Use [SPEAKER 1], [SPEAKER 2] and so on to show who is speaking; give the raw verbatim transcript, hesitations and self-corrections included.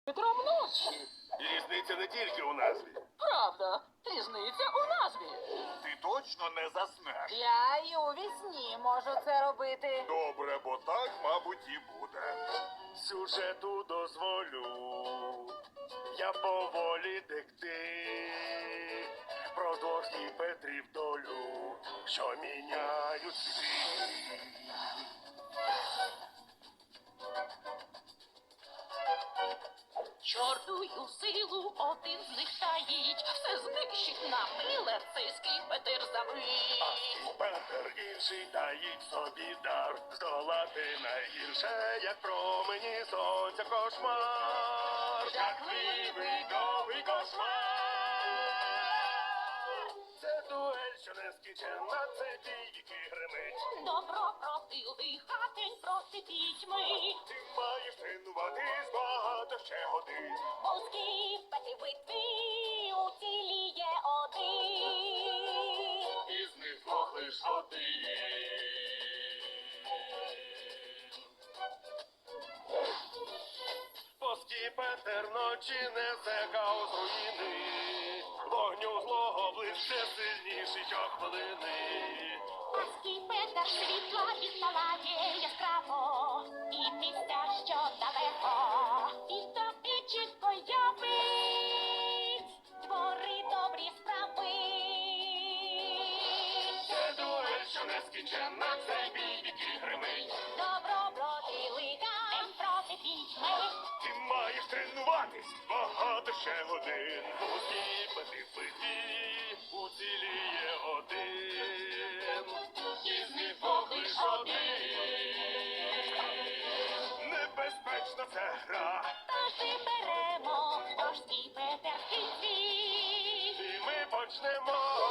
[SPEAKER 1] Петром ночі.
[SPEAKER 2] І різниця не тільки у назві.
[SPEAKER 1] Правда, різниця у назві.
[SPEAKER 2] Ти точно не заснеш.
[SPEAKER 3] Я й у вісні можу це робити.
[SPEAKER 2] Добре, бо так, мабуть, і буде. Сюжету дозволю, я поволі текти про двох Петрів долю, що міняють світ.
[SPEAKER 4] Чортую силу один з них таїть, все знищить напиле цей скіпетр замить.
[SPEAKER 2] А Петер інший таїть собі дар, здолати найгірше, як промені сонця кошмар. Жахливий довгий кошмар. Це дуель, що не скінчена, це бій, який гримить.
[SPEAKER 4] Добро проти лиха, день проти пітьми.
[SPEAKER 2] Ти маєш тренуватись багато ще годин.
[SPEAKER 4] Бо скіпети битві уціліє один.
[SPEAKER 2] Із них двох лиш один. Поски Петер ночі несе хаос руїни, вогню злого ближче сильніший щохвилини.
[SPEAKER 4] А скіпетр світла відпалає яскраво, і місця, що далеко, і тобі чітко явить твори добрі справи.
[SPEAKER 2] Це дуель, що не скінчена, це бій, який гримить.
[SPEAKER 4] Добро проти лиха, день проти пітьми.
[SPEAKER 2] Ти маєш тренуватись багато ще годин. Поски Пети битві уціліє один. Із них двох лиш один. Небезпечна це гра,
[SPEAKER 4] Тож виберемо, тож скіпетр в кінці.
[SPEAKER 2] і ми почнемо.